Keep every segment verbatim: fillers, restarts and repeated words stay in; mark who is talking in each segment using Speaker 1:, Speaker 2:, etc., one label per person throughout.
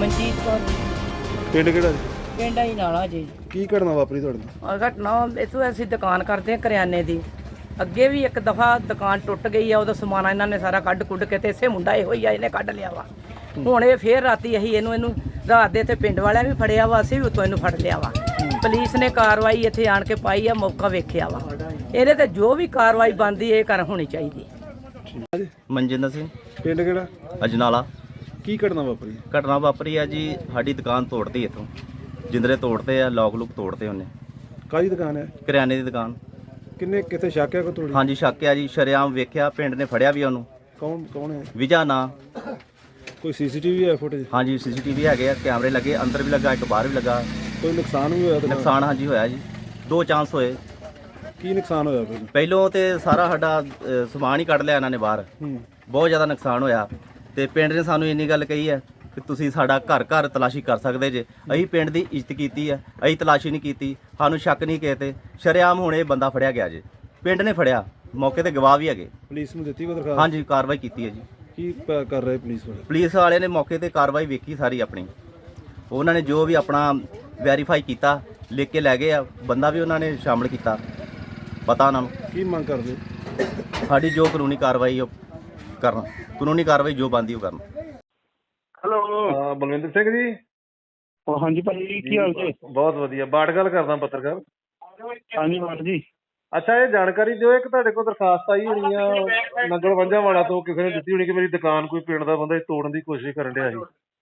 Speaker 1: ਮਨਜੀਤ ਕੌਰ
Speaker 2: ਪਿੰਡ ਕਿਹੜਾ ਜੀ?
Speaker 1: ਪਿੰਡ ਹੀ ਨਾਲਾ ਜੀ।
Speaker 2: ਕੀ ਘਟਨਾ ਵਾਪਰੀ ਤੁਹਾਡੇ ਨਾਲ?
Speaker 1: ਆਹ ਘਟਨਾ ਇੱਥੋਂ ਅਸੀਂ ਦੁਕਾਨ ਕਰਦੇ ਹਾਂ ਕਰਿਆਨੇ ਦੀ। ਅੱਗੇ ਵੀ ਇੱਕ ਦਫਾ ਦੁਕਾਨ ਟੁੱਟ ਗਈ ਆ, ਉਹਦਾ ਸਮਾਨ ਇਹਨਾਂ ਨੇ ਸਾਰਾ ਕੱਢ ਕੁੱਢ ਕੇ ਤੇ ਇਸੇ ਮੁੰਡਾ ਇਹੋ ਹੀ ਆ, ਇਹਨੇ ਕੱਢ ਲਿਆ ਵਾ। ਹੁਣ ਇਹ ਫੇਰ ਰਾਤੀ ਅਸੀਂ ਇਹਨੂੰ ਇਹਨੂੰ ਰਾਤ ਦੇ ਇੱਥੇ ਪਿੰਡ ਵਾਲਿਆਂ ਵੀ ਫੜਿਆ ਵਾ, ਅਸੀਂ ਵੀ ਉੱਤੋਂ ਇਹਨੂੰ ਫੜ ਲਿਆ ਵਾ। ਪੁਲਿਸ ਨੇ ਕਾਰਵਾਈ ਇੱਥੇ ਆਣ ਕੇ ਪਾਈ ਆ, ਮੌਕਾ ਵੇਖਿਆ ਵਾ। ਇਹਦੇ ਤੇ ਜੋ ਵੀ ਕਾਰਵਾਈ ਬਣਦੀ ਇਹ ਕਰ ਹੋਣੀ ਚਾਹੀਦੀ।
Speaker 3: ਮਨਜਿੰਦਰ ਸਿੰਘ,
Speaker 2: ਪਿੰਡ ਕਿਹੜਾ?
Speaker 3: ਅਜਨਾਲਾ।
Speaker 2: ਕੀ ਘਟਨਾ ਵਾਪਰੀ?
Speaker 3: ਘਟਨਾ ਵਾਪਰੀ ਆ ਜੀ, ਸਾਡੀ ਦੁਕਾਨ ਤੋੜਤੀ ਇੱਥੋਂ, ਜਿੰਦਰੇ ਤੋੜਤੇ ਆ, ਲੋਕ ਲੁਕ ਤੋੜਤੇ ਉਹਨੇ।
Speaker 2: ਕਾਹਦੀ ਦੁਕਾਨ ਹੈ?
Speaker 3: ਕਰਿਆਨੇ ਦੀ ਦੁਕਾਨ।
Speaker 2: ਕਿੰਨੇ ਕਿੱਥੇ ਸ਼ੱਕ ਹੈ ਕੋ ਤੋੜੀ?
Speaker 3: ਹਾਂਜੀ ਸ਼ੱਕ ਆ ਜੀ, ਸ਼ਰੇਆਮ ਵੇਖਿਆ, ਪਿੰਡ ਨੇ ਫੜਿਆ ਵੀ ਉਹਨੂੰ।
Speaker 2: ਕੌਣ ਕੌਣ ਹੈ?
Speaker 3: ਵਿਜਾ ਨਾਂ।
Speaker 2: ਕੋਈ ਸੀਸੀਟੀਵੀ ਹੈ ਫੁਟੇਜ?
Speaker 3: ਹਾਂਜੀ ਸੀਸੀਟੀਵੀ ਹੈਗੇ ਆ, ਕੈਮਰੇ ਲੱਗੇ, ਅੰਦਰ ਵੀ ਲੱਗਾ, ਇੱਕ ਬਾਹਰ ਵੀ ਲੱਗਾ।
Speaker 2: ਕੋਈ ਨੁਕਸਾਨ ਵੀ ਹੋਇਆ ਤੇ?
Speaker 3: ਨੁਕਸਾਨ ਹਾਂਜੀ ਹੋਇਆ ਜੀ, ਦੋ ਚਾਂਸ ਹੋਏ।
Speaker 2: ਕੀ ਨੁਕਸਾਨ ਹੋਇਆ ਪਹਿਲਾਂ?
Speaker 3: ਪਹਿਲੋਂ ਤੇ ਸਾਰਾ ਸਾਡਾ ਅ, ਸਮਾਨ ਹੀ ਕੱਢ ਲਿਆ ਇਹਨਾਂ ਨੇ ਬਾਹਰ।
Speaker 2: ਹੂੰ।
Speaker 3: ਬਹੁਤ ਜ਼ਿਆਦਾ ਨੁਕਸਾਨ ਹੋਇਆ ਤੇ ਪਿੰਡ ਨੇ ਸਾਨੂੰ ਇੰਨੀ ਗੱਲ ਕਹੀ ਹੈ ਕਿ ਤੁਸੀਂ ਸਾਡਾ ਘਰ ਘਰ ਤਲਾਸ਼ੀ ਕਰ ਸਕਦੇ ਜੇ। ਅਸੀਂ ਪਿੰਡ ਦੀ ਇੱਜ਼ਤ ਕੀਤੀ ਹੈ, ਅਸੀਂ ਤਲਾਸ਼ੀ ਨਹੀਂ ਕੀਤੀ, ਸਾਨੂੰ ਸ਼ੱਕ ਨਹੀਂ ਕਿਸੇ ਤੇ। ਸ਼ਰੇਆਮ ਹੁਣ ਇਹ ਬੰਦਾ ਫੜਿਆ ਗਿਆ ਜੇ, ਪਿੰਡ ਨੇ ਫੜਿਆ, ਮੌਕੇ ਤੇ ਗਵਾਹ ਵੀ ਹੈਗੇ।
Speaker 2: ਪੁਲਿਸ ਨੂੰ ਦਿੱਤੀ ਕੋਈ ਦਰਖਾਸਤ?
Speaker 3: ਹਾਂਜੀ ਕਾਰਵਾਈ ਕੀਤੀ ਹੈ ਜੀ।
Speaker 2: ਕੀ ਪ- ਕਰ ਰਹੇ ਪੁਲਿਸ ਵਾਲੇ?
Speaker 3: ਪੁਲਿਸ ਵਾਲੇ ਨੇ ਮੌਕੇ ਤੇ ਕਾਰਵਾਈ ਵੇਖੀ ਸਾਰੀ ਆਪਣੀ, ਉਹਨਾਂ ਨੇ ਜੋ ਵੀ ਆਪਣਾ ਵੈਰੀਫਾਈ ਕੀਤਾ, ਲਿਖ ਕੇ ਲੈ ਗਏ ਆ। ਬੰਦਾ ਵੀ ਉਹਨਾਂ ਨੇ ਸ਼ਾਮਲ ਕੀਤਾ, ਪਤਾ ਉਹਨਾਂ ਨੂੰ।
Speaker 2: ਕੀ ਮੰਗ ਕਰਦੇ?
Speaker 3: ਸਾਡੀ ਜੋ ਕਾਨੂੰਨੀ ਕਾਰਵਾਈ ਉਹ ਕਰਨ, ਕਾਨੂੰਨੀ ਕਾਰਵਾਈ ਜੋ ਬਣਦੀ ਉਹ ਕਰਨ।
Speaker 4: ਹੈਲੋ।
Speaker 2: ਹਾਂ ਬਲਵਿੰਦਰ ਸਿੰਘ ਜੀ।
Speaker 4: ਉਹ ਹਾਂਜੀ ਭਾਜੀ, ਕੀ ਹਾਲ ਜੀ?
Speaker 2: ਬਹੁਤ ਵਧੀਆ। ਬਾਟ ਗੱਲ ਕਰਦਾ, ਪੱਤਰਕਾਰ।
Speaker 4: ਹਾਂਜੀ ਬਾਟ ਜੀ।
Speaker 2: ਅੱਛਾ, ਇਹ ਜਾਣਕਾਰੀ ਦਿਓ, ਇੱਕ ਤੁਹਾਡੇ ਕੋਲ ਦਰਖਾਸਤ ਆਈ ਹੋਣੀ ਆ ਨੰਗਲ ਵੰਝਾ ਵਾਲਾ ਤੋਂ, ਕਿਸੇ ਨੇ ਦਿੱਤੀ ਹੋਣੀ ਕਿ ਮੇਰੀ ਦੁਕਾਨ ਕੋਈ ਪਿੰਡ ਦਾ ਬੰਦਾ ਤੋੜਨ ਦੀ ਕੋਸ਼ਿਸ਼ ਕਰਨ ਡਿਆ ਸੀ।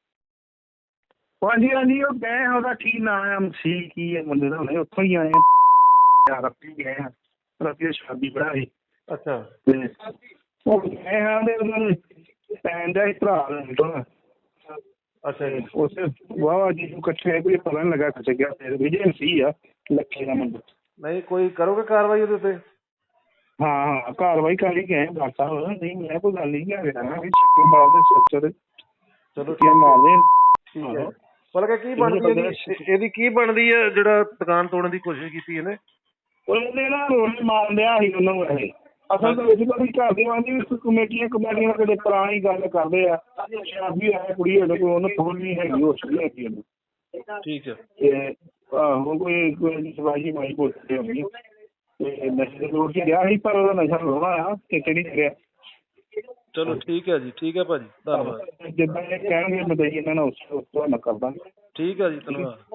Speaker 4: ਹਾਂਜੀ ਹਾਂਜੀ, ਉਹ ਗਏ ਆ, ਉਹਦਾ ਕੀ ਨਾਮ ਸੀ, ਕੀ ਹੈ ਮੁੰਡੇ ਦਾ, ਹੁਣੇ ਉੱਥੋਂ ਹੀ ਆਏ ਆ, ਰਾਤੀ ਗਏ ਆ, ਰਾਤੀ ਸ਼ਾਦੀ ਬੜਾ ਸੀ।
Speaker 2: ਅੱਛਾ।
Speaker 4: ਤੇ ਉਹ ਗਏ ਆ ਤੇ ਉਹਨਾਂ ਪੈਣ ਦਾ ਭਰਾ ਤੋਂ।
Speaker 2: ਅੱਛਾ ਜੀ।
Speaker 4: ਉਸ ਵਾਹ ਜੀ ਇਕੱਠੇ ਕੋਈ ਪਤਾ ਨਹੀਂ ਲੱਗਾ ਕਿੱਥੇ ਗਿਆ। ਫਿਰ ਵਿਜੇ ਸੀ ਆ ਲੱਖੇ ਦਾ ਮੁੰਡਾ।
Speaker 2: ਨਹੀਂ ਕੋਈ ਕਰੋਗੇ ਕਾਰਵਾਈ ਉਹਦੇ ਉੱਤੇ?
Speaker 4: ਹਾਂ ਹਾਂ ਕਾਰਵਾਈ ਕਰ ਹੀ ਗਏ ਡਾਕਟਰ ਸਾਹਿਬ। ਨਹੀਂ ਮੈਂ ਕੋਈ ਗੱਲ ਨਹੀਂ ਕਰ ਰਿਹਾ ਨਾ, ਛੱਕੇ ਮਾਰਦੇ ਸਿਰ ਤੇ।
Speaker 2: ਚਲੋ
Speaker 4: ਕੀ ਮਾਰਦੇ।
Speaker 2: ਠੀਕ ਹੈ। ਬਲਕਿ ਕੀ ਬਣਦੀ ਹੈ ਇਹਦੀ, ਕੀ ਬਣਦੀ ਹੈ ਜਿਹੜਾ ਦੁਕਾਨ ਤੋੜਨ ਦੀ ਕੋਸ਼ਿਸ਼ ਕੀਤੀ ਇਹਨੇ?
Speaker 4: ਉਹਨੇ ਨਾ ਰੋਲ ਮਾਰ ਲਿਆ ਸੀ ਉਹਨੂੰ। ਇਹ ਅਸਲ ਦੇ ਵਿੱਚ ਕੋਈ ਘਰ ਦੇ ਆਂਦੀ ਕਮੇਟੀਆਂ ਕਮੇਟੀਆਂ ਕਦੇ ਪੁਰਾਣੀ ਗੱਲ ਕਰਦੇ ਆ। ਸ਼ਾਦੀ ਹੈ ਕੁੜੀ ਉਹਦੇ ਕੋਲ, ਉਹਨੂੰ ਥੋੜ ਨਹੀਂ ਹੈਗੀ, ਉਹ ਸਹੀ ਹੈਗੀ ਉਹਨੂੰ।
Speaker 2: ਠੀਕ ਹੈ।
Speaker 4: ਤੇ ਆਹੋ ਕੋਈ ਕੋਈ ਸਵਾਈ ਮਾਈ ਬੋਲਦੇ ਹੋਣੀ ਤੇ ਨਸ਼ੇ ਦੇ ਲੋੜ ਚ ਗਿਆ ਸੀ, ਪਰ ਉਹਦਾ ਨਸ਼ਾ ਲਾਉਣਾ ਆ ਤੇ ਕਿਹੜੀ ਕਰਿਆ।
Speaker 2: ਚਲੋ ਠੀਕ ਹੈ ਜੀ। ਠੀਕ ਹੈ ਭਾਜੀ, ਧੰਨਵਾਦ।
Speaker 4: ਜਿੱਦਾਂ ਇਹ ਕਹਿਣਗੇ ਮੈਂ ਇਹਨਾਂ ਨਾਲ ਉਸ ਉਸ ਤੋਂ ਮੈਂ ਕਰਦਾ।
Speaker 2: ਠੀਕ ਹੈ ਜੀ, ਧੰਨਵਾਦ।